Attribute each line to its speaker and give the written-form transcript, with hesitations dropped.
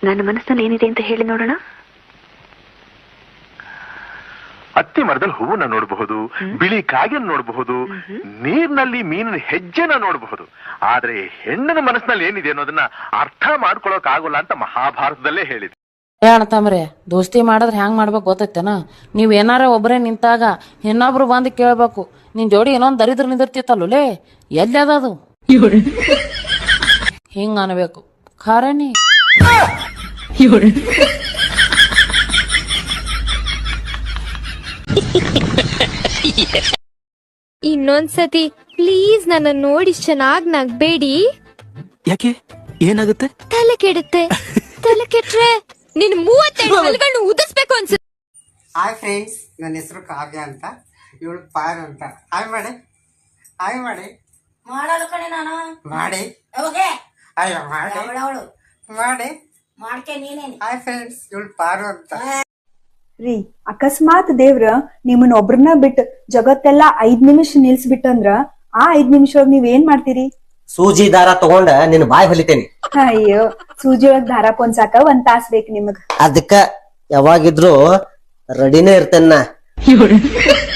Speaker 1: ನನ್ನ ಮನಸ್ಸಲ್ಲಿ ಏನಿದೆ ಅಂತ ಹೇಳಿ ನೋಡೋಣ.
Speaker 2: ಅತ್ತಿ ಮರದಲ್ಲಿ ಹೂವನ್ನ ನೋಡಬಹುದು, ಬಿಳಿ ಕಾಗೆಯನ್ನು ನೋಡಬಹುದು, ನೀರಿನಲ್ಲಿ ಮೀನಿನ ಹೆಜ್ಜೆನ ನೋಡಬಹುದು. ಆದ್ರೆ ಹೆಣ್ಣಿನ ಮನಸ್ಸಿನಲ್ಲಿ ಏನಿದೆ ಅನ್ನೋದನ್ನ ಅರ್ಥ ಮಾಡ್ಕೊಳಕ್ ಆಗೋಲ್ಲ ಅಂತ ಮಹಾಭಾರತದಲ್ಲೇ ಹೇಳಿದೆ.
Speaker 3: ಅಣ್ಣತಮ್ರೆ, ದೋಸ್ತಿ ಮಾಡಿದ್ರೆ ಹ್ಯಾಂಗ್ ಮಾಡ್ಬೇಕು ಗೊತ್ತೈತೇನ? ನೀವ್ ಏನಾರ ಒಬ್ಬರೇ ನಿಂತಾಗ ಇನ್ನೊಬ್ರು ಬಂದು ಕೇಳ್ಬೇಕು, ನಿನ್ ಜೋಡಿ ಏನೊಂದ್ ದರಿದ್ರ ನಿಂದಿರ್ತಿತ್ತಲ್ಲೇ, ಎಲ್ಲಿ ಅದದು ಹಿಂಗ ಅನ್ಬೇಕು. ಖಾರನಿ
Speaker 4: ಇನ್ನೊಂದ್ಸತಿ ಪ್ಲೀಸ್ ನನ್ನ ನೋಡಿ ಚೆನ್ನಾಗ್ ನಗ್ಬೇಡಿ.
Speaker 5: ಯಾಕೆ, ಏನಾಗುತ್ತೆ?
Speaker 4: ತಲೆ ಕೆಡುತ್ತೆ. ತಲೆ ಕೆಟ್ರೆ ನಿನ್ 32 ಹಲ್ಗಳನ್ನು ಉದಿಸ್ಬೇಕು ಅನ್ಸುತ್ತೆ.
Speaker 6: ಹಾಯ್ ಫ್ರೆಂಡ್ಸ್, ನನ್ನ ಹೆಸರು ಕಾವ್ಯ ಅಂತ, ಇವಳು ಪಾರು ಅಂತ. ಹಾಯ್ ಮಾಡಿ, ಹಾಯ್ ಮಾಡಿ.
Speaker 7: ಮಾಡಲು ಕಣೆ ನಾನು
Speaker 6: ಮಾಡಿ ಅಯ್ಯೋ ಮಾಡಿ ಮಾಡಿ
Speaker 7: ಮಾಡ್ಕೆ ನೀನೇನು.
Speaker 6: ಹಾಯ್ ಫ್ರೆಂಡ್ಸ್, ಇವಳು ಪಾರು ಅಂತ.
Speaker 8: ರೀ, ಅಕಸ್ಮಾತ್ ದೇವ್ರ ನಿಮ್ಮನ್ನ ಒಬ್ರನ್ನ ಬಿಟ್ಟು ಜಗತ್ತೆಲ್ಲಾ 5 ನಿಮಿಷ ನಿಲ್ಸ್ಬಿಟ್ಟಂದ್ರ ಆ 5 ನಿಮಿಷ ನೀವ್ ಏನ್ ಮಾಡ್ತೀರಿ?
Speaker 9: ಸೂಜಿ ದಾರ ತಗೊಂಡ ನಿನ್ ಬಾಯ್ ಹೊಲಿತೇನಿ.
Speaker 8: ಅಯ್ಯೋ, ಸೂಜಿ ಒಳಗ್ ದಾರ ಪೊನ್ಸಾಕ 1 ತಾಸ್ ಬೇಕು ನಿಮಗ್.
Speaker 9: ಅದಕ್ಕ ಯಾವಾಗಿದ್ರು ರೆಡಿನೇ ಇರ್ತೇನ.